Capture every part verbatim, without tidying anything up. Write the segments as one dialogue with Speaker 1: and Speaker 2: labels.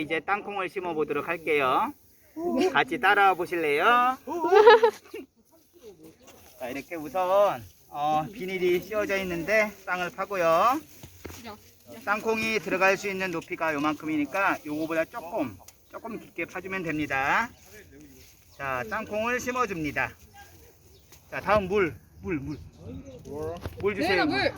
Speaker 1: 이제 땅콩을 심어 보도록 할게요. 같이 따라와 보실래요? 자, 이렇게 우선 어, 비닐이 씌워져 있는데 땅을 파고요. 땅콩이 들어갈 수 있는 높이가 요만큼이니까 요거보다 조금 조금 깊게 파주면 됩니다. 자, 땅콩을 심어줍니다. 자, 다음 물, 물, 물. 물 주세요. 물.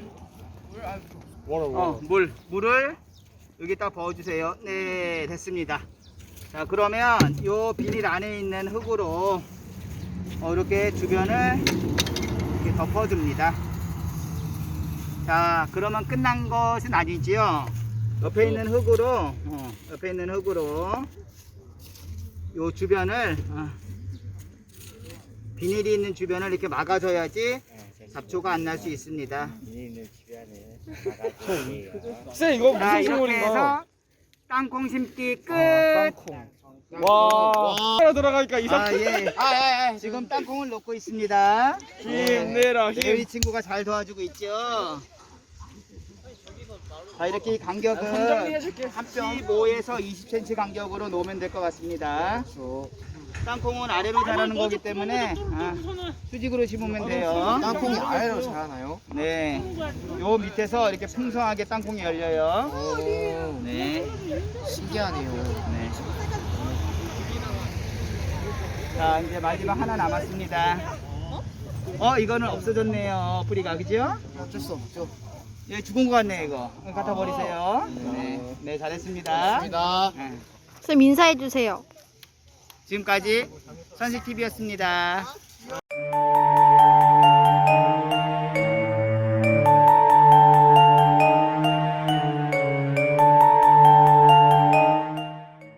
Speaker 1: 어. 어, 물, 물을 여기다 부어주세요. 네, 됐습니다. 자, 그러면 요 비닐 안에 있는 흙으로 어, 이렇게 주변을 이렇게 덮어줍니다. 자, 그러면 끝난 것은 아니지요. 옆에 있는 흙으로, 어, 옆에 있는 흙으로 요 주변을 어, 비닐이 있는 주변을 이렇게 막아줘야지 잡초가 안 날 수 있습니다.
Speaker 2: 쌤 이거
Speaker 1: 자,
Speaker 2: 무슨
Speaker 1: 이렇게
Speaker 2: 식물인가요?
Speaker 1: 해서 땅콩 심기 끝.
Speaker 2: 땅콩. 와. 따라 들어가니까 이상.
Speaker 1: 아, 예. 아, 예, 예. 지금 땅콩을 놓고 있습니다.
Speaker 2: 힘내라
Speaker 1: 네,
Speaker 2: 힘.
Speaker 1: 우리 친구가 잘 도와주고 있죠. 자, 이렇게 이 간격은 십오에서 이십 센티미터 간격으로 놓으면 될 것 같습니다. 땅콩은 아래로 자라는 거기 때문에 아, 수직으로 심으면 돼요.
Speaker 2: 땅콩이 아래로 자라나요?
Speaker 1: 네, 요 밑에서 이렇게 풍성하게 땅콩이 열려요.
Speaker 2: 오.
Speaker 1: 네,
Speaker 2: 신기하네요.
Speaker 1: 네. 자, 이제 마지막 하나 남았습니다. 어, 이거는 없어졌네요. 뿌리가, 그죠?
Speaker 2: 어쩔 수 없죠.
Speaker 1: 예, 죽은 것 같네, 이거. 갖다 버리세요. 네, 네, 잘했습니다.
Speaker 2: 감사합니다.
Speaker 1: 네.
Speaker 3: 쌤 인사해 주세요.
Speaker 1: 지금까지 선식티비였습니다.